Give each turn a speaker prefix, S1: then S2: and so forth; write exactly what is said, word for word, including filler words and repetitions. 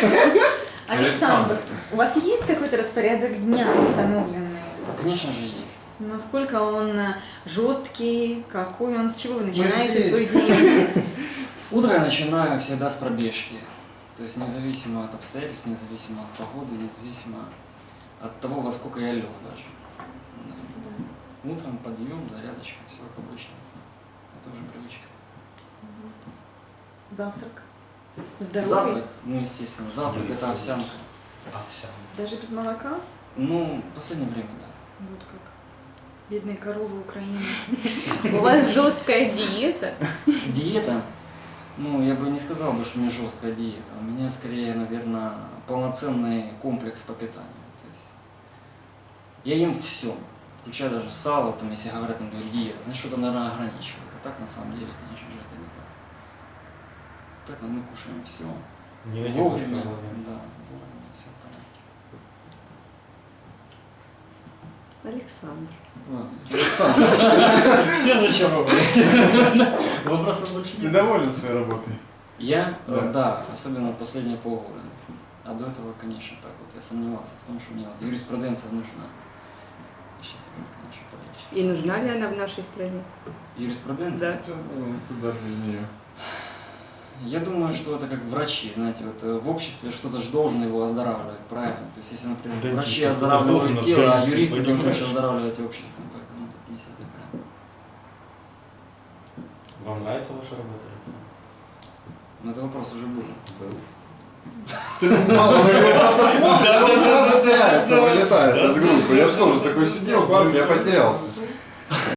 S1: Александр, у вас есть какой-то распорядок дня установленный?
S2: Конечно же есть.
S1: Насколько он жесткий, какой он, с чего вы начинаете свой день?
S2: Утро я начинаю всегда с пробежки. То есть независимо от обстоятельств, независимо от погоды, независимо от того, во сколько я лег даже. Да. Утром подъем, зарядочка, все как обычно. Это уже привычка.
S1: Завтрак? Здоровый?
S2: Завтрак, ну естественно, завтрак это овсянка.
S3: Овсянка.
S1: Даже без молока?
S2: Ну, в последнее время, да.
S1: Вот как. Бедные коровы Украины.
S4: У вас жесткая диета?
S2: Диета? Ну, я бы не сказал, бы, что у меня жесткая диета. У меня скорее, наверное, полноценный комплекс по питанию. То есть я ем все, включая даже сало, там, если говорят, там, диета, значит, что-то, наверное, ограничивает. А так, на самом деле, конечно же, это не так. Поэтому мы кушаем все.
S3: Не
S2: Вовремя. Да, вовремя, все в порядке.
S4: Александр.
S5: Александр,
S2: Все зачарованы. Вопросов больше
S5: ты
S2: нет.
S5: доволен своей работой?
S2: Я?
S5: Да.
S2: Да, особенно последние полгода. А до этого, конечно, так вот, я сомневался в том, что мне вот юриспруденция нужна. Сейчас уже, конечно, полегче.
S4: И нужна ли она в нашей стране?
S2: Юриспруденция?
S4: Да.
S5: Ну, куда без нее?
S2: Я думаю, что это как врачи, знаете, вот э, в обществе что-то же должен его оздоравливать, правильно? То есть, если, например,
S3: Да,
S2: врачи
S3: кто-то
S2: оздоравливают
S3: должен
S2: тело, а
S3: оздоровить,
S2: юристы
S3: типа, не
S2: должны
S3: врач.
S2: оздоравливать общество, поэтому тут не всегда правильно.
S3: Вам нравится ваша работа, Александр?
S2: Но это вопрос уже был.
S5: Ты мало, вы его просто смотришь, он сразу теряется, вылетает из группы. Я же тоже такой сидел, класс, я потерялся.